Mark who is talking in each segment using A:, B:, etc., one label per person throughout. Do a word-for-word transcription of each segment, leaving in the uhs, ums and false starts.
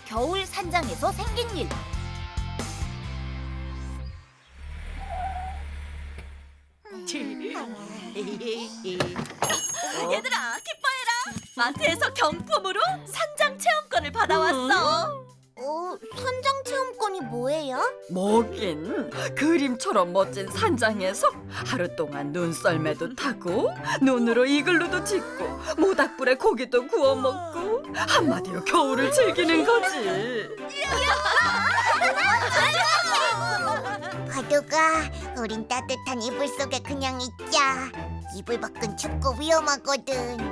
A: 겨울 산장에서 생긴 일.
B: 얘들아, 기뻐해라. 마트에서 경품으로 산장 체험권을 받아왔어.
A: 어, 산장 체험권이 뭐예요?
C: 뭐긴 그림처럼 멋진 산장에서 하루 동안 눈썰매도 타고 눈으로 이글루도 짓고 모닥불에 고기도 구워 먹고 한마디로 겨울을 즐기는 거지.
D: 바둑아, 우린 따뜻한 이불 속에 그냥 있자. 이불 밖은 춥고 위험하거든.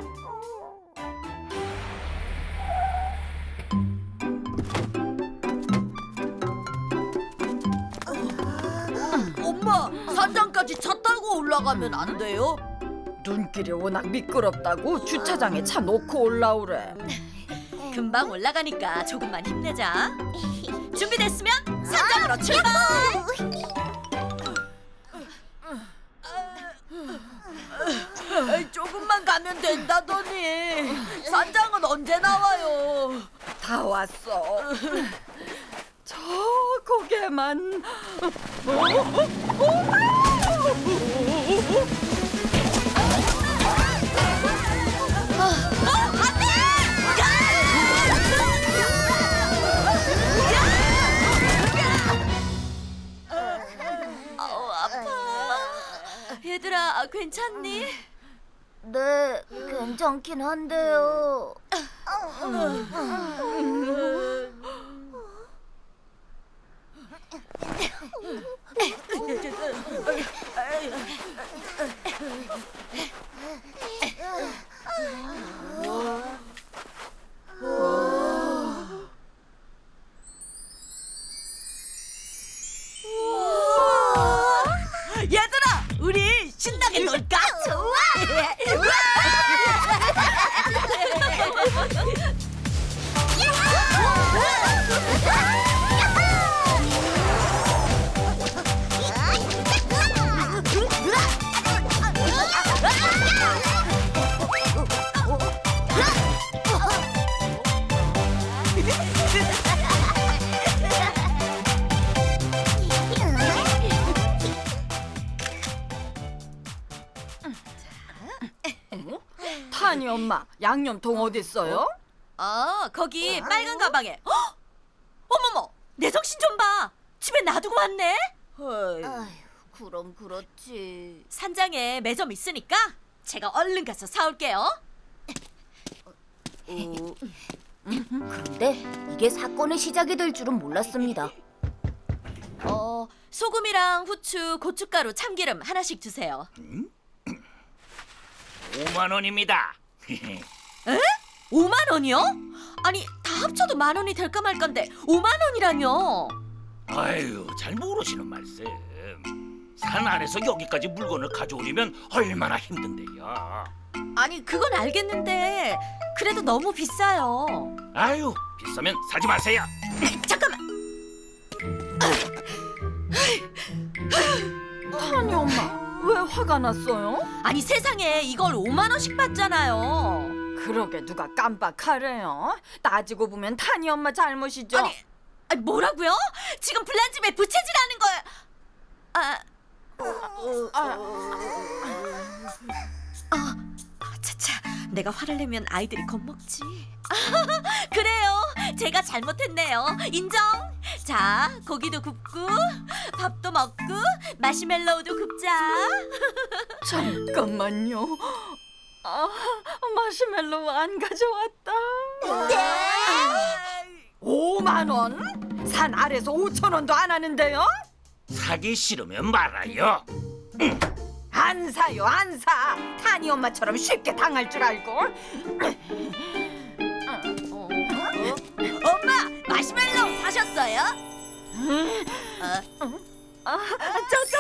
B: 엄마, 산장까지 차 타고 올라가면 안 돼요?
C: 눈길이 워낙 미끄럽다고 주차장에 차 놓고 올라오래.
B: 금방 올라가니까 조금만 힘내자. 준비됐으면 산장으로 출발! 에이, 조금만 가면 된다더니 산장은 언제 나와요?
C: 다 왔어. 저 고개만. 어? 어?
B: 아우, 아파. 얘들아, 괜찮니?
A: 네, 괜찮긴 한데요.
B: 얘들아, 우리 신나게 놀까? 좋아!
C: 타니 엄마, 양념통 어딨어요?
B: 아, 거기 빨간 가방에. 헉! 어머머, 내 정신 좀 봐. 집에 놔두고 왔네.
A: 아휴, 그럼 그렇지.
B: 산장에 매점 있으니까 제가 얼른 가서 사올게요.
A: 근데 이게 사건의 시작이 될 줄은 몰랐습니다.
B: 어, 소금이랑 후추, 고춧가루, 참기름 하나씩 주세요.
E: 오만 원입니다.
B: 오만 원이요? 아니, 다 합쳐도 만 원이 될까 말까인데 오만 원이라뇨?
E: 아유, 잘 모르시는 말씀. 산 아래서 여기까지 물건을 가져오려면 얼마나 힘든데요.
B: 아니, 그건 알겠는데 그래도 너무 비싸요.
E: 아유, 비싸면 사지 마세요.
B: 잠깐만.
C: 타니 엄마, 왜 화가 났어요?
B: 아니, 세상에 이걸 오만 원씩 받잖아요.
C: 그러게 누가 깜빡하래요? 따지고 보면 타니 엄마 잘못이죠.
B: 아니, 아니, 뭐라고요? 지금 불난집에 부채질하는 거예요. 아, 아, 차차, 내가 화를 내면 아이들이 겁먹지. 그래요, 제가 잘못했네요. 인정. 자, 고기도 굽고 밥도 먹고 마시멜로우도 굽자.
C: 잠깐만요. 아, 마시멜로우 안 가져왔다. 오만 원? 산 아래서 오천 원도 안 하는데요?
E: 사기 싫으면 말아요.
C: 안 사요, 안 사. 타니 엄마처럼 쉽게 당할 줄 알고.
B: 엄마, 마시멜로우 사셨어요?
C: 아, 짜잔.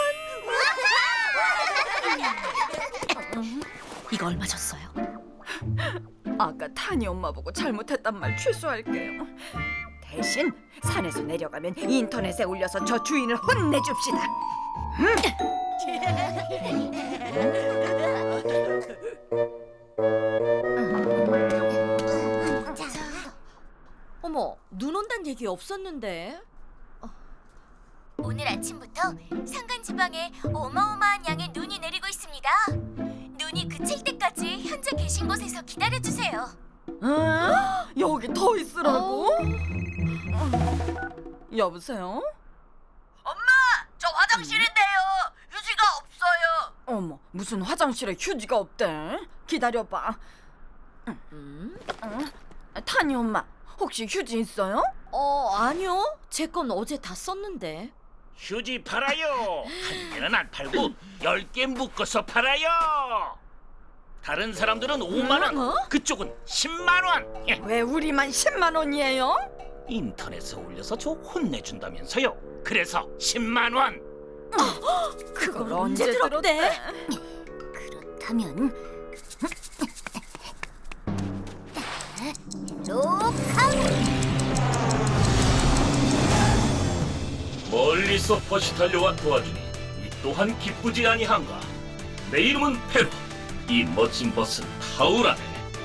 B: 이거 얼마 줬어요?
C: 아까 타니 엄마 보고 잘못했단 말 취소할게요. 대신 산에서 내려가면 인터넷에 올려서 저 주인을 혼내줍시다.
B: 어머, 눈 온다 그런 얘기 없었는데.
F: 오늘 아침부터 산간 지방에 어마어마한 양의 눈이 내리고 있습니다. 눈이 그칠 때까지 현재 계신 곳에서 기다려 주세요.
C: 에? 여기 더 있으라고?
B: 어.
C: 여보세요?
F: 저 화장실인데요. 휴지가 없어요.
C: 어머, 무슨 화장실에 휴지가 없대? 기다려봐.
B: 음?
C: 타니 엄마, 혹시 휴지 있어요?
B: 어, 아니요. 제 건 어제 다 썼는데.
E: 휴지 팔아요. 한 개는 안 팔고 열 개 묶어서 팔아요. 다른 사람들은 오만 원,
B: 어?
E: 그쪽은 십만 원.
C: 왜 우리만 십만 원이에요?
E: 인터넷에 올려서 저 혼내준다면서요. 그래서 십만 원.
C: 그걸
B: 언제
C: 언제
B: 들었대?
C: 들었대?
A: 그렇다면 로카운트.
E: 멀리서 버시 달려와 도와주니 이 또한 기쁘지 아니한가. 내 이름은 페로. 이 멋진 버스는 타우라네.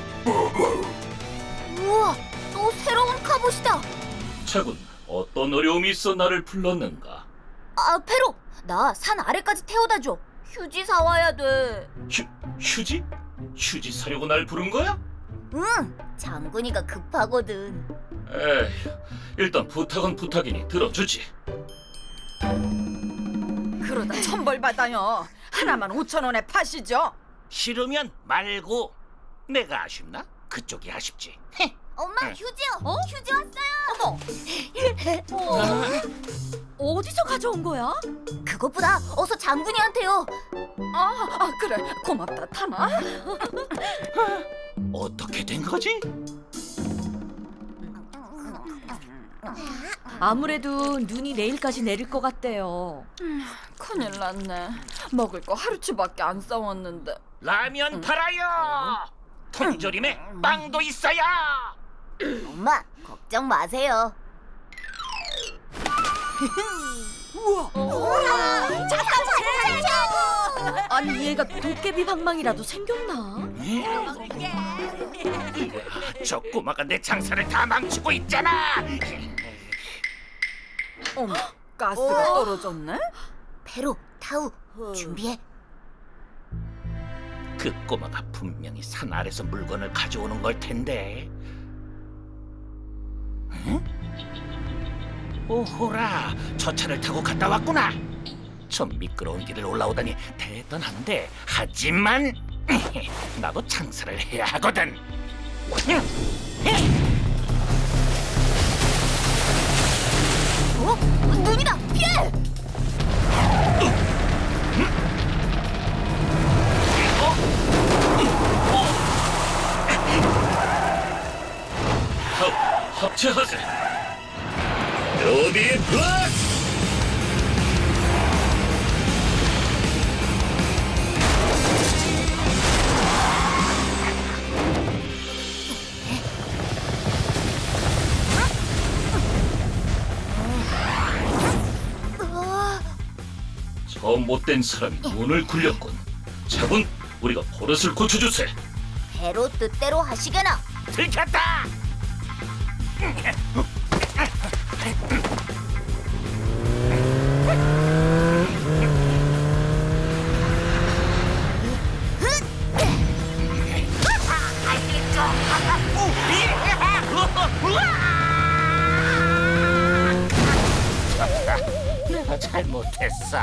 A: 우와, 또 새로운 카봇이다.
E: 차군, 어떤 어려움이 있어 나를 불렀는가?
A: 아, 페로, 나 산 아래까지 태워다 줘. 휴지 사와야 돼.
E: 휴, 휴지? 휴지 사려고 날 부른 거야?
A: 응, 장군이가 급하거든.
E: 에휴, 일단 부탁은 부탁이니 들어주지.
C: 그러다 천벌 받아요. 하나만 오천 원에 파시죠.
E: 싫으면 말고. 내가 아쉽나? 그쪽이 아쉽지. 헤.
A: 엄마,
E: 응.
A: 휴지요. 어? 휴지 왔어요.
B: 어, 어디서 가져온 거야?
A: 그것보다 어서 장군이한테요.
C: 아, 아 그래. 고맙다, 타나.
E: 어떻게 된 거지?
B: 아무래도 눈이 내일까지 내릴 것 같대요.
C: 큰일 났네. 먹을 거 하루치밖에 안 싸웠는데.
E: 라면 팔아요. 통조림에 빵도 있어요.
A: 엄마, 걱정 마세요.
B: 아니 얘가 도깨비 방망이라도 생겼나?
E: 저 꼬마가 내 장사를 다 망치고 있잖아.
C: 어머, 가스가 떨어졌네?
A: 페로, 타우, 준비해.
E: 그 꼬마가 분명히 산 아래서 물건을 가져오는 걸 텐데. 응? 오호라, 저 차를 타고 갔다 왔구나. 저 미끄러운 길을 올라오다니 대단한데, 하지만 나도 장사를 해야 하거든.
A: 어? 눈이다! 피해!
E: 합, 합체하세. 로비 플러스. 저 못된 사람이 문을 굴렸군. 차분, 우리가 버릇을 고쳐주세.
A: 페로 뜻대로 하시게나.
E: 들켰다. 내가 잘못했어.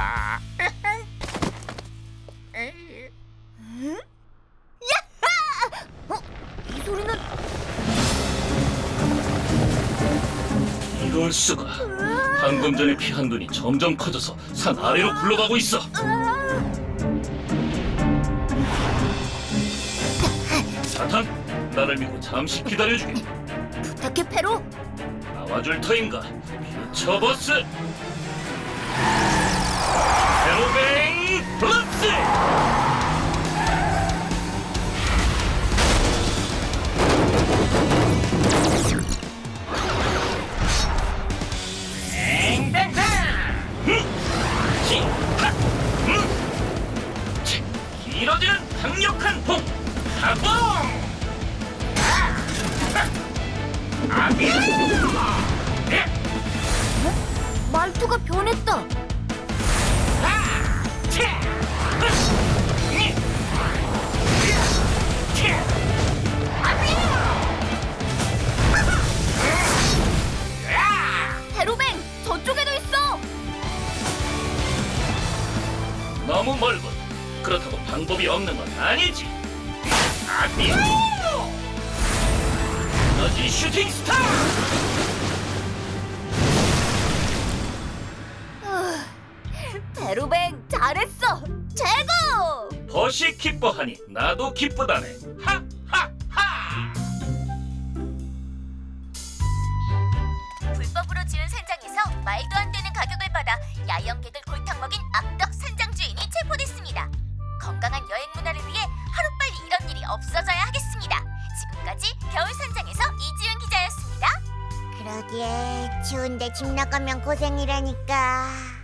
A: 이 소리는
E: 이럴 수가. 방금 전에 피한 눈이 점점 커져서 산 아래로 굴러가고 있어. 사탄, 나를 믿고 잠시 기다려주게.
A: 부탁해, 페로.
E: 나와줄 터인가? 퓨처 버스. 페로베인 플러스. 길어지는 강력한 봉 가봉. 아비야.
A: 말투가 변했다. 대로뱅, 저쪽에도 있어.
E: 너무 멀군. 그렇다고 방법이 없는 건 아니지. 아비. 너지 슈팅 스타.
A: 대로뱅, 잘했어. 최고.
E: 벗이 기뻐하니 나도 기쁘다네. 하하하.
F: 불법으로 지은 산장에서 말도 안 되는 가격을 받아 야영객을 골탕 먹인 악덕 산장 주인이 체포됐습니다. 건강한 여행 문화를 위해 하루빨리 이런 일이 없어져야 하겠습니다. 지금까지 겨울 산장에서 이지은 기자였습니다.
D: 그러게 추운데 집 나가면 고생이라니까.